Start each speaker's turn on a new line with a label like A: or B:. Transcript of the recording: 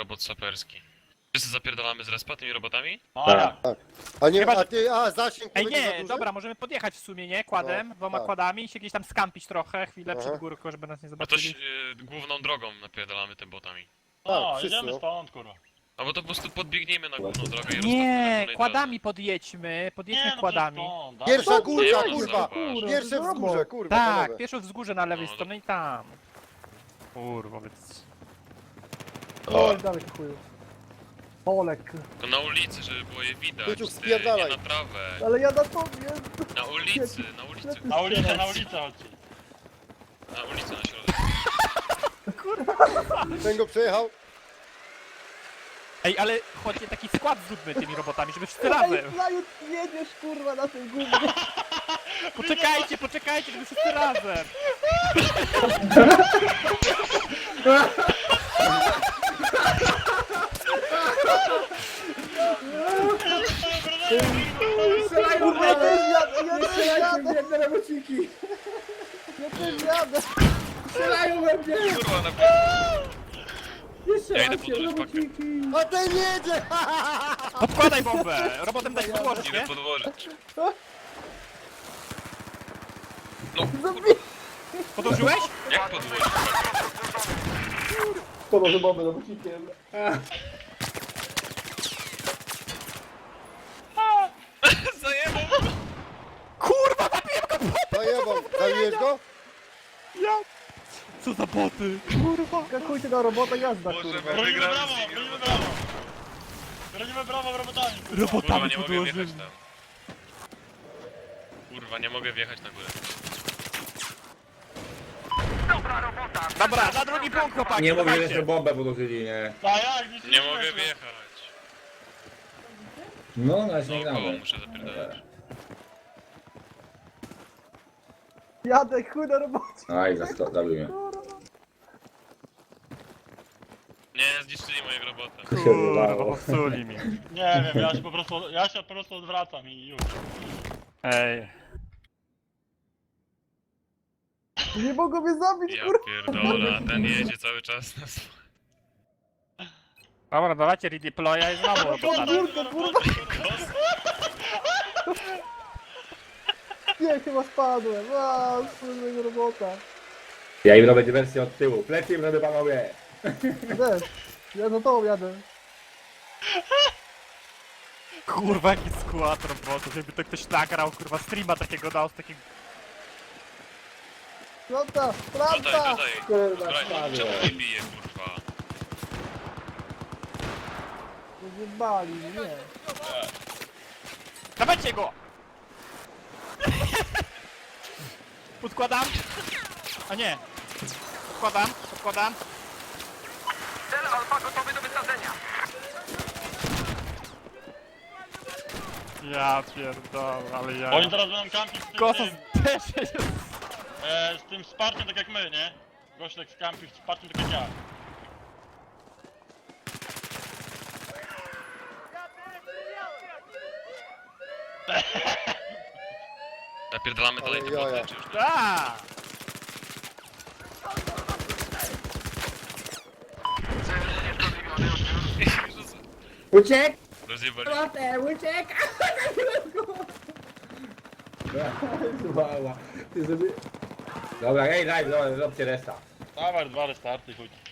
A: robot saperski. Wszyscy zapierdalamy z respa tymi robotami?
B: Tak.
C: A nie,
D: Chyba, że-
C: zasięg nie
D: Ej
C: będzie za
D: nie,
C: duży?
D: dobra, możemy podjechać w sumie, nie? Kładem,
C: No,
D: dwoma
C: tak.
D: kładami i się gdzieś tam skampić trochę, chwilę
C: Aha.
D: przed górką, żeby nas nie
A: No to
D: zobaczyli.
A: główną drogą napierdalamy tym botami.
B: O,
C: wszyscy,
B: jedziemy
C: no.
B: stąd, kurwa.
A: Albo to po prostu podbiegniemy na główną drogę i
D: Nie,
A: roztopimy
D: kładami podjedźmy, podjedźmy
B: no
D: kładami.
B: przecież stąd,
C: Pierwsza
B: dawaj.
C: górka,
A: Nie, no
C: kurwa!
A: zauważ.
C: Pierwsze wzgórze, kurwa,
D: Tak,
C: panowie.
D: pierwsze wzgórze na lewej
A: No,
D: stronie i tam. Kurwa, więc...
E: Oj, dalej chuju. Olek.
A: To na ulicy, żeby było je widać.
C: Kuciuk,
A: ty,
C: spierdalaj.
A: nie na trawę.
E: Ale ja na tobie.
A: Na ulicy, na ulicy.
B: Na ulicę, chodźcie.
A: Na ulicy na środek.
C: Ten go przejechał.
D: Ej, ale chodźcie, taki skład zróbmy tymi robotami, żeby wszyscy
E: Ej,
D: razem.
E: Flaju, jedziesz kurwa na tym gównie.
D: Poczekajcie, żeby wszyscy razem.
E: Kurwa, ja też jadę, ja też jadę.
F: Biedne robociki!
E: Ja też jadę.
F: Strzelają we mnie!
A: Kurwa, na
F: Jeszcze
A: Ja idę
F: raz
A: podłożyć pakę.
F: robociki!
C: A ten jedzie!
D: Podkładaj bombę! Robotem dać podłożyć,
A: idę
D: nie?
A: podłożyć.
E: Zabij.
D: Podłożyłeś?
A: Jak podłożyć?
F: Podłożę bombę robocikiem.
A: Zajebał!
D: Kurwa, zabiłem go!
C: Zajebał. Zabiłeś go?
D: Ja... Co za boty? Kurwa.
E: Skakujcie na robotę, jazda
A: Boże,
E: kurwa.
A: my
B: Bronimy
A: wygramy
B: brawo,
A: z nimi
B: bronimy
A: robotami.
B: brawo. Bronimy brawo robotami. kurwa.
A: Kurwa,
D: Robotami
A: nie mogę
D: podłożyli.
A: wjechać tam. Kurwa, nie mogę wjechać na górę.
D: Dobra, na drugi punkt, chłopaki,
F: Nie mówię, że
D: dawajcie.
F: jeszcze bombę podłożyli, nie?
B: A jak? Nic
A: Nie mogę wjechać.
F: No, na nie
A: No koło
F: gramy.
A: muszę zapierdalać.
E: Jadę chuj na robotę.
F: Aj, zabił mnie.
A: Nie, zniszczyli moją robotę.
D: Kurwa, popsuli mi.
B: Nie wiem, ja się po prostu odwracam i już.
D: Ej.
E: Nie mogą mnie zabić
A: Ja
E: kurwa.
A: pierdolę, ten jedzie cały czas na swoje.
D: Dobra, dawajcie redeploya i znowu robotami.
E: Górkę kurwa. Nie, chyba spadłem. A, kurwa robota.
F: Ja im robię dywersję od tyłu. Plecy im robię, panowie.
E: Też. Ja za tobą jadę.
D: Kurwa, jaki skład robotów, jakby to ktoś nagrał, kurwa, streama takiego dał z takiego...
E: Planta,
A: Dodaj,
E: planta.
A: dodaj.
F: Kurwa,
A: Dobra,
F: spadłem.
A: czemu mnie bije, kurwa?
E: Zjebali, nie.
D: Dawajcie go! Podkładam. A nie. Podkładam.
G: Cel alfa gotowy do wysadzenia.
D: Ja pierdolę, ale ja...
B: Oni teraz będą kampić z tym,
D: Kosos
B: tym,
D: też jest...
B: z tym wsparciem tak jak my, nie? Gościek skampi z wsparciem tak jak ja.
A: Napierdalamy dalej te
C: Ale jaja.
A: boty, czy już nie?
D: Da!
F: Uciek!
A: Rozjebali.
F: Robotę, uciek! Mała. Ty sobie... Dobra, ej, daj, róbcie resta.
B: Dawaj, dwa restarty, chuj.